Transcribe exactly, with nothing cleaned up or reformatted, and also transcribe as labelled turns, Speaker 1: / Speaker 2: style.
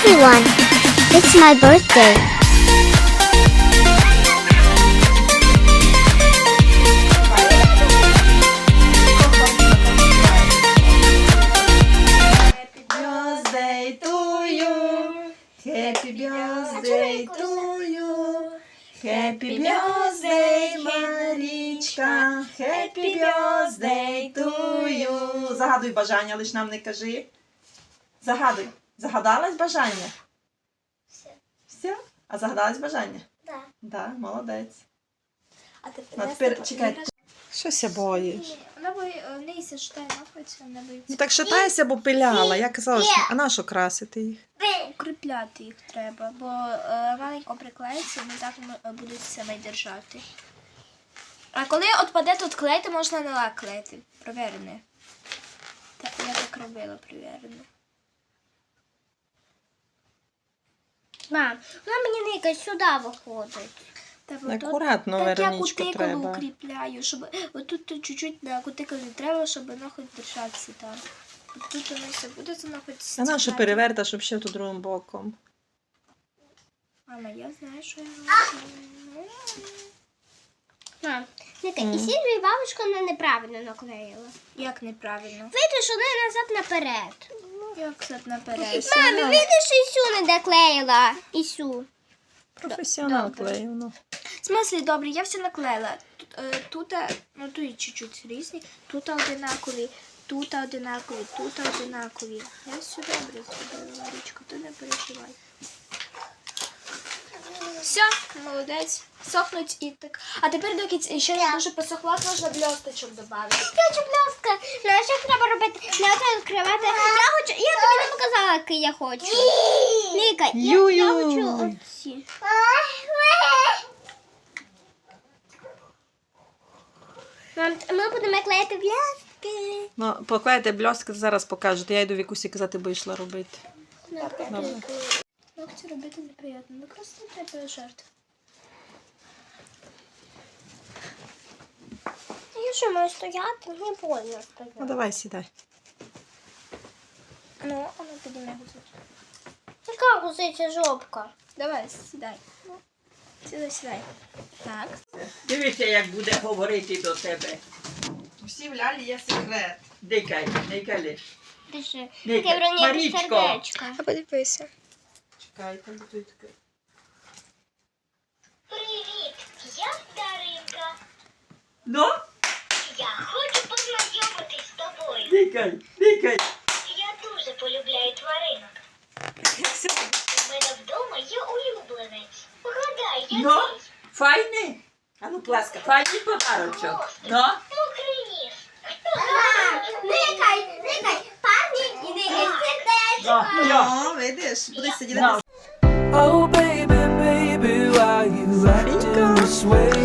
Speaker 1: everyone! It's my birthday.
Speaker 2: Happy birthday to you. Happy birthday to you. Happy birthday, Марічка. Happy birthday to you. Загадуй бажання, лиш нам не кажи. Загадуй. Загадалась бажання?
Speaker 1: Все.
Speaker 2: Все? А загадалась бажання?
Speaker 1: Да.
Speaker 2: Да, молодець.
Speaker 3: А тепер,
Speaker 2: Ну, тепер чекай. Щось я боїш.
Speaker 3: Вона бо в неї се шитає нахується, вона боїться.
Speaker 2: Ну так шатайся, бо пиляла. Я казала, що... а на що красити їх?
Speaker 3: Укріпляти їх треба, бо е, маленько приклеїться, вони так м- будуть себе держати. А коли відпаде тут клей, то можна на лак клеїти. Провірене. Так, я так робила, провірене.
Speaker 1: Мам, вона мені не якось сюди виходить.
Speaker 3: Та, бо тут-
Speaker 2: Акуратно,
Speaker 3: так я
Speaker 2: Вероничко,
Speaker 3: кутикулу
Speaker 2: треба.
Speaker 3: укріпляю, щоб отут тут чуть-чуть на кутикулі треба, щоб воно хоч держатися там. От тут воно все буде, воно хоч
Speaker 2: А на що
Speaker 3: стікати.
Speaker 2: переверта, щоб ще тут другим боком?
Speaker 3: Мама, я знаю, що я роблю.
Speaker 1: Мам, Ника, і Сільвія бабушка вона неправильно наклеїла.
Speaker 3: Як неправильно?
Speaker 1: Видиш, вона назад наперед.
Speaker 3: Як це наперед?
Speaker 1: Мамі, видиш, Ісю не доклеїла. Ісю.
Speaker 2: Професіонал
Speaker 3: Добре.
Speaker 2: клеїв, ну.
Speaker 3: В смислі, добре, я все наклеїла. Тут, е, тут е, ну тут чуть-чуть різні, тут одинакові, тут одинакові, тут одинакові. Я все добре зробила, Ларічко, ти не переживай. Все, молодець. Сохнуть і так. А тепер, доки ц- ще не дуже посохла, можна бльосточок додати.
Speaker 1: Я хочу блістка. Знаєш, як треба робити? Не оце відкривати. Я хочу, я тобі не показала, який я хочу. Ніка, я, я
Speaker 2: Ю-ю.
Speaker 1: хочу оці. Мам, ми будемо клеїти блістки.
Speaker 2: Ну, поклейте бльостки, зараз покажете. Я йду Вікусі казати, бо йшла робити. Добре.
Speaker 3: Ногті робити неприємно, ну просто не треба жертв.
Speaker 1: Я що, маю стояти? Не больно
Speaker 2: Ну,
Speaker 1: стояти.
Speaker 2: давай, сідай.
Speaker 3: Ну, а ну підійми гузик.
Speaker 1: Яка гусиця жопка?
Speaker 3: Давай, сідай. Ну, сідай, сідай. Так.
Speaker 4: Дивіться, як буде говорити до тебе.
Speaker 2: Всі в лялі є секрет.
Speaker 4: Дикай, не калиш.
Speaker 1: Пиши.
Speaker 4: Ніка,
Speaker 1: Таке вроні
Speaker 4: Марічко.
Speaker 1: сердечко.
Speaker 3: А подивися.
Speaker 2: Чекайте, бо тут таке.
Speaker 5: Привіт, я Даринка.
Speaker 4: Ну,
Speaker 5: Я хочу познайомитись з тобою.
Speaker 4: дикай, дикай.
Speaker 5: Я дуже полюбляю тваринок. У мене вдома є улюбленець. Погадай, який?
Speaker 4: Ну, файний? А ну, пласка, файний подарочок. Ну,
Speaker 5: Мокрий ніс.
Speaker 1: Никай, никай, парні і никай сердечко.
Speaker 4: ну, йо.
Speaker 2: О, видиш, будеш сидіти.
Speaker 4: Ну.
Speaker 6: Oh baby, baby, why you acting this way?